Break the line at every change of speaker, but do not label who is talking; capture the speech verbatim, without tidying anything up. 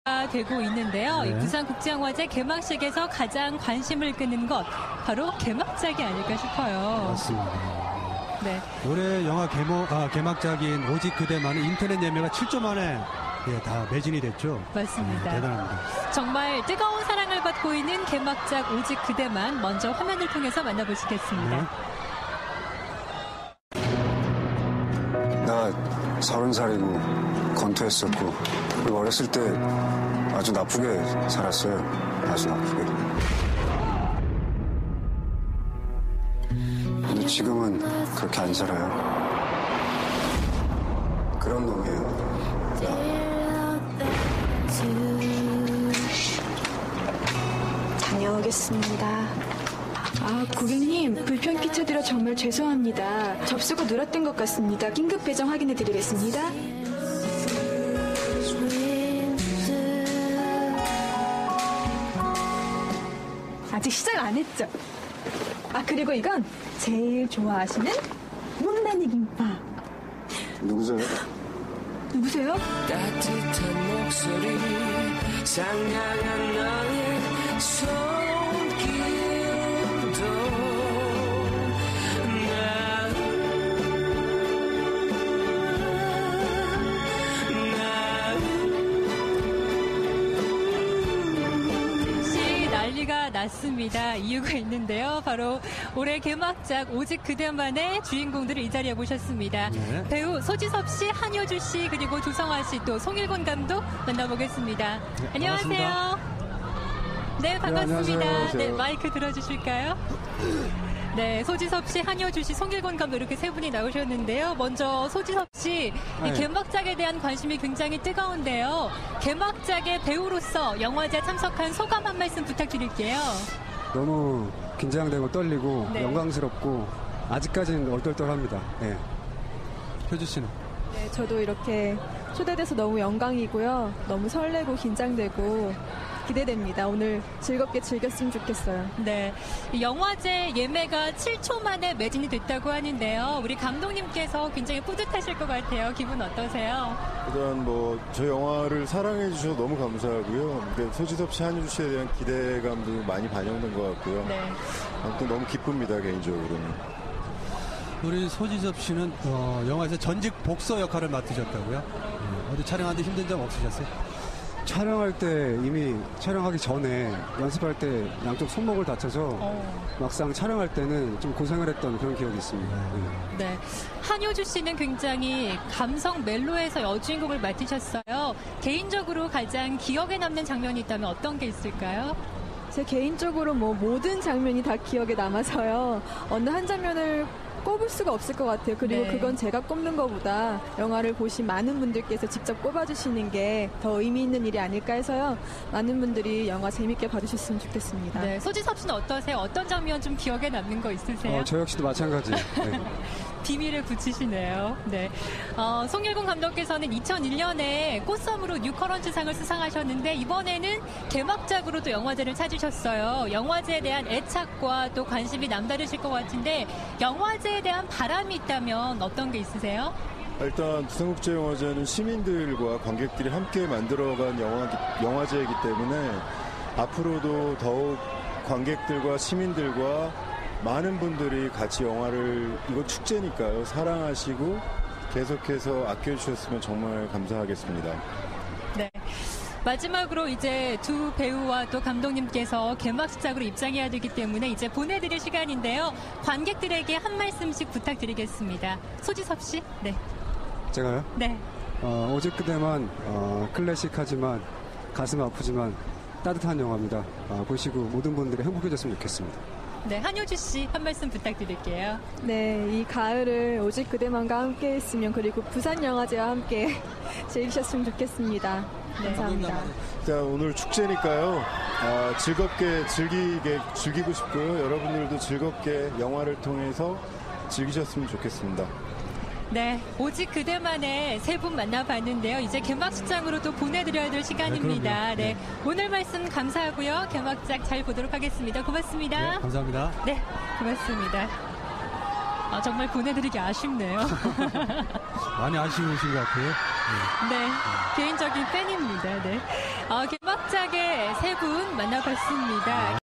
되고 있는데요.
네.
이 부산국제영화제 개막식에서 가장 관심을 끄는 것 바로 개막작이 아닐까 싶어요.
맞습니다.
네.
올해 영화 개모, 아, 개막작인 오직 그대만은 인터넷 예매가 칠 조 만에 예, 다 매진이 됐죠.
맞습니다.
네, 대단합니다.
정말 뜨거운 사랑을 받고 있는 개막작 오직 그대만 먼저 화면을 통해서 만나보시겠습니다.
네. 나 서른 살이고 건투했었고 그리고 어렸을 때 아주 나쁘게 살았어요. 아주 나쁘게. 근데 지금은 그렇게 안 살아요. 그런 놈이에요.
다녀오겠습니다. 아, 고객님, 불편 끼쳐드려 정말 죄송합니다. 접수가 누락된 것 같습니다. 긴급 배정 확인해드리겠습니다. 아직 시작 안 했죠? 아, 그리고 이건 제일 좋아하시는 못난이 김밥.
누구세요?
누구세요?
따뜻한 목소리 상냥한 너의 손길도
시 난리가 났습니다. 이유가 있는데요. 바로 올해 개막작 오직 그대만의 주인공들을 이 자리에 모셨습니다.
네.
배우 소지섭 씨, 한효주 씨, 그리고 조성아 씨, 또 송일곤 감독 만나보겠습니다.
네,
안녕하세요.
반갑습니다.
네, 반갑습니다.
네, 안녕하세요.
네, 마이크 들어주실까요? 네, 소지섭 씨, 한효주 씨, 송일곤 감독 이렇게 세 분이 나오셨는데요. 먼저 소지섭 씨,
네.
이 개막작에 대한 관심이 굉장히 뜨거운데요. 개막작의 배우로서 영화제 참석한 소감 한 말씀 부탁드릴게요.
너무 긴장되고 떨리고
네.
영광스럽고 아직까지는 얼떨떨합니다. 네.
효주 씨는?
네, 저도 이렇게 초대돼서 너무 영광이고요. 너무 설레고 긴장되고 기대됩니다. 오늘 즐겁게 즐겼으면 좋겠어요.
네, 이 영화제 예매가 칠 초 만에 매진이 됐다고 하는데요. 우리 감독님께서 굉장히 뿌듯하실 것 같아요. 기분 어떠세요?
일단 뭐 저 영화를 사랑해 주셔서 너무 감사하고요. 그러니까 소지섭 씨, 한효주 씨에 대한 기대감도 많이 반영된 것 같고요.
네.
아무튼 너무 기쁩니다, 개인적으로는.
우리 소지섭 씨는 어, 영화에서 전직 복서 역할을 맡으셨다고요? 네. 어디 촬영하는데 힘든 점 없으셨어요?
촬영할 때 이미 촬영하기 전에 연습할 때 양쪽 손목을 다쳐서
어.
막상 촬영할 때는 좀 고생을 했던 그런 기억이 있습니다. 네.
네, 한효주 씨는 굉장히 감성 멜로에서 여주인공을 맡으셨어요. 개인적으로 가장 기억에 남는 장면이 있다면 어떤 게 있을까요?
제 개인적으로 뭐 모든 장면이 다 기억에 남아서요. 어느 한 장면을 꼽을 수가 없을 것 같아요. 그리고
네.
그건 제가 꼽는 것보다 영화를 보신 많은 분들께서 직접 꼽아주시는 게 더 의미 있는 일이 아닐까 해서요. 많은 분들이 영화 재밌게 봐주셨으면 좋겠습니다.
네, 소지섭 씨는 어떠세요? 어떤 장면 좀 기억에 남는 거 있으세요?
어, 저 역시도 마찬가지. 네.
비밀을 붙이시네요. 네. 어, 송일곤 감독께서는 이천일 년에 꽃섬으로 뉴커런츠상을 수상하셨는데 이번에는 개막작으로 또 영화제를 찾으셨어요. 영화제에 대한 애착과 또 관심이 남다르실 것 같은데 영화제에 대한 바람이 있다면 어떤 게 있으세요?
일단 부산국제영화제는 시민들과 관객들이 함께 만들어간 영화, 영화제이기 때문에 앞으로도 더욱 관객들과 시민들과 많은 분들이 같이 영화를, 이거 축제니까요, 사랑하시고 계속해서 아껴주셨으면 정말 감사하겠습니다.
네. 마지막으로 이제 두 배우와 또 감독님께서 개막식작으로 입장해야 되기 때문에 이제 보내드릴 시간인데요. 관객들에게 한 말씀씩 부탁드리겠습니다. 소지섭 씨. 네.
제가요?
네.
어, 오직 그대만 어, 클래식하지만 가슴 아프지만 따뜻한 영화입니다. 어, 보시고 모든 분들이 행복해졌으면 좋겠습니다.
네, 한효주 씨 한 말씀 부탁드릴게요.
네, 이 가을을 오직 그대만과 함께 했으면 그리고 부산영화제와 함께 즐기셨으면 좋겠습니다. 감사합니다.
자, 오늘 축제니까요. 아, 즐겁게 즐기게 즐기고 싶고요. 여러분들도 즐겁게 영화를 통해서 즐기셨으면 좋겠습니다.
네, 오직 그대만의 세 분 만나봤는데요. 이제 개막식장으로 또 보내드려야 될 시간입니다.
네,
네, 오늘 말씀 감사하고요. 개막작 잘 보도록 하겠습니다. 고맙습니다.
네, 감사합니다.
네, 고맙습니다. 아, 정말 보내드리기 아쉽네요.
많이 아쉬우신 것 같아요.
네, 개인적인 팬입니다. 네. 어, 개막작의 세 분 만나봤습니다.